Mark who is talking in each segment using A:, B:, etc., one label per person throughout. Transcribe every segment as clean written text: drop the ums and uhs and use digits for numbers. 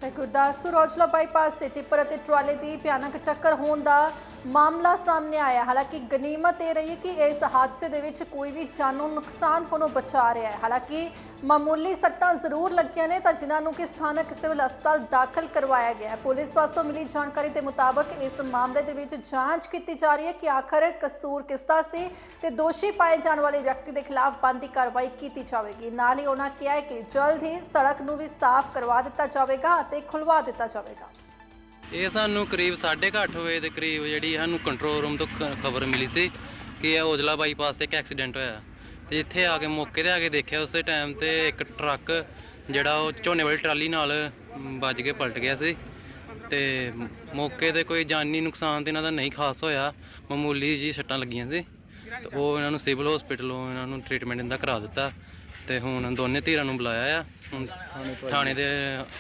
A: Gurdaspur Aujla bypass ਤੇ tipper ਅਤੇ ਟਰਾਲੇ ਦੀ ਭਿਆਨਕ ਟੱਕਰ ਹੋਣ ਦਾ ਮਾਮਲਾ ਸਾਹਮਣੇ ਆਇਆ। ਹਾਲਾਂਕਿ ਗਨੀਮਤ ਇਹ ਰਹੀ ਹੈ ਕਿ ਇਸ ਹਾਦਸੇ ਦੇ ਵਿੱਚ ਕੋਈ ਵੀ ਜਾਨੋਂ ਨੁਕਸਾਨ ਹੋਣੋਂ ਬਚਾ ਰਿਹਾ ਹੈ। ਹਾਲਾਂਕਿ ਮਾਮੂਲੀ ਸੱਟਾਂ ਜ਼ਰੂਰ ਲੱਗੀਆਂ ਨੇ ਤਾਂ ਜਿਨ੍ਹਾਂ ਨੂੰ ਕਿ ਸਥਾਨਕ ਸਿਵਲ ਹਸਪਤਾਲ ਦਾਖਲ ਕਰਵਾਇਆ ਗਿਆ ਹੈ। ਪੁਲਿਸ ਪਾਸੋਂ ਮਿਲੀ ਜਾਣਕਾਰੀ ਦੇ ਮੁਤਾਬਕ ਇਸ ਮਾਮਲੇ ਦੇ ਵਿੱਚ ਜਾਂਚ ਕੀਤੀ ਜਾ ਰਹੀ ਹੈ ਕਿ ਆਖਰ ਕਸੂਰ ਕਿਸ ਦਾ ਸੀ ਤੇ ਦੋਸ਼ੀ ਪਾਏ ਜਾਣ ਵਾਲੇ ਵਿਅਕਤੀ ਦੇ ਖਿਲਾਫ ਬਣਦੀ ਕਾਰਵਾਈ ਕੀਤੀ ਜਾਵੇਗੀ। ਨਾਲ ਹੀ ਉਹਨਾਂ ਕਿਹਾ ਹੈ ਕਿ ਜਲਦ ਹੀ ਸੜਕ ਨੂੰ ਵੀ ਸਾਫ਼ ਕਰਵਾ ਦਿੱਤਾ ਜਾਵੇਗਾ ਅਤੇ ਖੁਲਵਾ ਦਿੱਤਾ ਜਾਵੇਗਾ।
B: ਇਹ ਸਾਨੂੰ ਕਰੀਬ 8:30 ਵਜੇ ਦੇ ਕਰੀਬ ਜਿਹੜੀ ਸਾਨੂੰ ਕੰਟਰੋਲ ਰੂਮ ਤੋਂ ਖਬਰ ਮਿਲੀ ਸੀ ਕਿ ਇਹ ਔਜਲਾ ਬਾਈਪਾਸ ਤੇ ਇੱਕ ਐਕਸੀਡੈਂਟ ਹੋਇਆ ਤੇ ਇੱਥੇ ਆ ਕੇ ਮੌਕੇ ਤੇ ਆ ਕੇ ਦੇਖਿਆ ਉਸੇ ਟਾਈਮ ਤੇ ਇੱਕ ਟਰੱਕ ਜਿਹੜਾ ਉਹ ਝੋਨੇ ਵਾਲੀ ਟਰਾਲੀ ਨਾਲ ਵੱਜ ਕੇ ਪਲਟ ਗਿਆ ਸੀ ਤੇ ਮੌਕੇ ਤੇ ਕੋਈ ਜਾਨੀ ਨੁਕਸਾਨ ਤੇ ਇਹਨਾਂ ਦਾ ਨਹੀਂ ਖਾਸ ਹੋਇਆ, ਮਾਮੂਲੀ ਜੀ ਸੱਟਾਂ ਲੱਗੀਆਂ ਸੀ ਤੇ ਉਹ ਇਹਨਾਂ ਨੂੰ ਸਿਵਲ ਹਸਪੀਟਲੋਂ ਇਹਨਾਂ ਨੂੰ ਟ੍ਰੀਟਮੈਂਟ ਇਹਦਾ ਕਰਾ ਦਿੱਤਾ ਤੇ ਹੁਣ ਦੋਨੇ ਧਿਰਾਂ ਨੂੰ ਬੁਲਾਇਆ ਆ, ਹੁਣ ਥਾਣੇ ਦੇ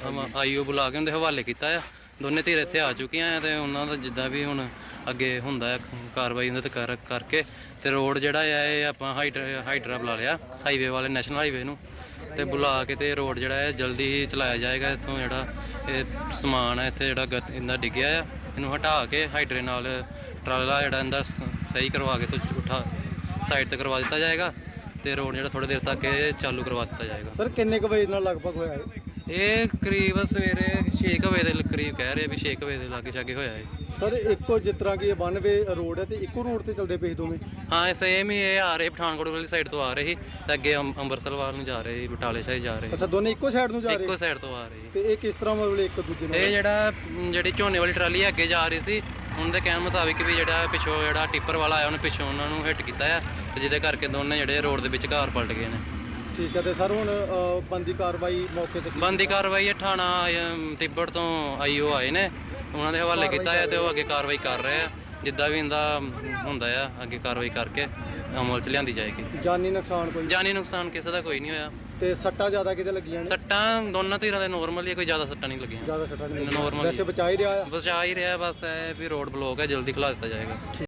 B: ਆਈਓ ਬੁਲਾ ਕੇ ਉਹਦੇ ਹਵਾਲੇ ਕੀਤਾ ਆ। ਦੋਨੇ ਧਿਰ ਇੱਥੇ ਆ ਚੁੱਕੀਆਂ ਆ ਤੇ ਉਹਨਾਂ ਦਾ ਜਿੱਦਾਂ ਵੀ ਹੁਣ ਅੱਗੇ ਹੁੰਦਾ ਹੈ ਕਾਰਵਾਈ ਉਹਨਾਂ ਤੇ ਕਰਕੇ ਤੇ ਰੋਡ ਜਿਹੜਾ ਆ ਇਹ ਆਪਾਂ ਹਾਈਡਰਾ ਬੁਲਾ ਲਿਆ, ਹਾਈਵੇ ਵਾਲੇ ਨੈਸ਼ਨਲ ਹਾਈਵੇ ਨੂੰ ਤੇ ਬੁਲਾ ਕੇ ਤੇ ਰੋਡ ਜਿਹੜਾ ਹੈ ਜਲਦੀ ਹੀ ਚਲਾਇਆ ਜਾਏਗਾ। ਇੱਥੋਂ ਜਿਹੜਾ ਇਹ ਸਮਾਨ ਹੈ ਇੱਥੇ ਜਿਹੜਾ ਇਹਦਾ ਡਿੱਗਿਆ ਆ ਇਹਨੂੰ ਹਟਾ ਕੇ ਹਾਈਡਰੇ ਨਾਲ ਟਰਾਲਾ ਜਿਹੜਾ ਇਹਦਾ ਸਹੀ ਕਰਵਾ ਕੇ ਤੋਂ ਉਠਾ ਸਾਈਡ ਤੇ ਕਰਵਾ ਦਿੱਤਾ ਜਾਏਗਾ ਤੇ ਰੋਡ ਜਿਹੜਾ ਥੋੜੀ ਦੇਰ ਤੱਕ ਇਹ ਚਾਲੂ ਕਰਵਾ ਦਿੱਤਾ ਜਾਏਗਾ।
C: ਸਰ ਕਿੰਨੇ ਕੁ ਵਜੇ ਨਾਲ ਲਗਭਗ ਹੋਇਆ
B: ਇਹ ਕਰੀਬ ਸਵੇਰੇ 6 ਵਜੇ ਦੇ ਕਰੀਬ ਕਹਿ ਰਹੇ ਵੀ 6 ਵਜੇ ਦੇ ਲਾਗੇ ਛਾਗੇ ਹੋਇਆ ਹੈ।
C: ਸਰ ਇੱਕੋ ਜਿਸ ਤਰ੍ਹਾਂ ਕਿ ਇਹ 1 ਵੇ ਰੋਡ ਹੈ ਤੇ ਇੱਕੋ ਰੋਡ ਤੇ ਚੱਲਦੇ ਪਏ ਦੋਵੇਂ?
B: ਹਾਂ ਸੇਮ ਹੀ ਇਹ ਆ ਰਹੇ ਪਠਾਨਕੋਟ ਵਾਲੀ ਸਾਈਡ ਤੋਂ ਆ ਰਹੇ ਸੀ ਤੇ ਅੱਗੇ ਅੰਮ੍ਰਿਤਸਰ ਵੱਲ ਨੂੰ ਜਾ ਰਹੇ ਸੀ, ਬਟਾਲੇ ਸਾਈਡ ਜਾ ਰਹੇ ਸੀ।
C: ਅੱਛਾ ਦੋਨੇ ਇੱਕੋ ਸਾਈਡ ਨੂੰ ਜਾ ਰਹੇ?
B: ਇੱਕੋ ਸਾਈਡ ਤੋਂ ਆ ਰਹੇ
C: ਤੇ ਇਹ ਕਿਸ ਤਰ੍ਹਾਂ ਮਤਲਬ ਇੱਕ ਦੂਜੇ ਨਾਲ?
B: ਇਹ ਜਿਹੜੀ ਝੋਨੇ ਵਾਲੀ ਟਰਾਲੀ ਅੱਗੇ ਜਾ ਰਹੀ ਸੀ ਉਹਨਾਂ ਦੇ ਕਹਿਣ ਮੁਤਾਬਿਕ ਵੀ ਜਿਹੜਾ ਪਿੱਛੋਂ ਜਿਹੜਾ ਟਿੱਪਰ ਵਾਲਾ ਆਇਆ ਉਹਨੇ ਪਿੱਛੋਂ ਉਹਨਾਂ ਨੂੰ ਹਿੱਟ ਕੀਤਾ ਆ ਤੇ ਜਿਹਦੇ ਕਰਕੇ ਦੋਨੇ ਜਿਹੜੇ ਰੋਡ ਦੇ ਵਿੱਚ ਘਰ ਪਲਟ ਗਏ ਨੇ।
C: ਠੀਕ ਹੈ ਤੇ ਸਰ ਹੁਣ ਬੰਦੀ ਕਾਰਵਾਈ ਮੌਕੇ ਤੇ
B: ਬੰਦੀ ਕਾਰਵਾਈ ਇਹ ਥਾਣਾ ਤਿੱਬੜ ਤੋਂ ਆਈਓ ਆਏ ਨੇ, ਉਹਨਾਂ ਦੇ ਹਵਾਲੇ ਕੀਤਾ ਹੈ ਤੇ ਉਹ ਅੱਗੇ ਕਾਰਵਾਈ ਕਰ ਰਹੇ ਆ। ਜਿੱਦਾਂ ਵੀ ਇਹਦਾ ਹੁੰਦਾ ਆ ਅੱਗੇ ਕਾਰਵਾਈ ਕਰਕੇ ਅਮਲ 'ਚ ਲਿਆਂਦੀ ਜਾਏਗੀ।
C: ਜਾਨੀ ਨੁਕਸਾਨ ਕੋਈ?
B: ਜਾਨੀ ਨੁਕਸਾਨ ਕਿਸੇ ਦਾ ਕੋਈ ਨਹੀਂ ਹੋਇਆ।
C: ਤੇ ਸੱਟਾਂ ਜ਼ਿਆਦਾ ਕਿਤੇ ਲੱਗੀਆਂ ਨੇ?
B: ਸੱਟਾਂ ਦੋਨਾਂ ਧਿਰਾਂ ਦੇ ਨੋਰਮਲ ਹੀ, ਕੋਈ ਜ਼ਿਆਦਾ ਸੱਟਾਂ ਨਹੀਂ ਲੱਗੀਆਂ।
C: ਜ਼ਿਆਦਾ ਸੱਟਾਂ ਨਹੀਂ
B: ਨੋਰਮਲ
C: ਵੈਸੇ ਬਚਾ ਹੀ ਰਿਹਾ ਆ?
B: ਬਚਾ ਹੀ ਰਿਹਾ, ਬਸ ਇਹ ਵੀ ਰੋਡ ਬਲੌਕ ਹੈ, ਜਲਦੀ ਖੁਲਾ ਦਿੱਤਾ ਜਾਏਗਾ।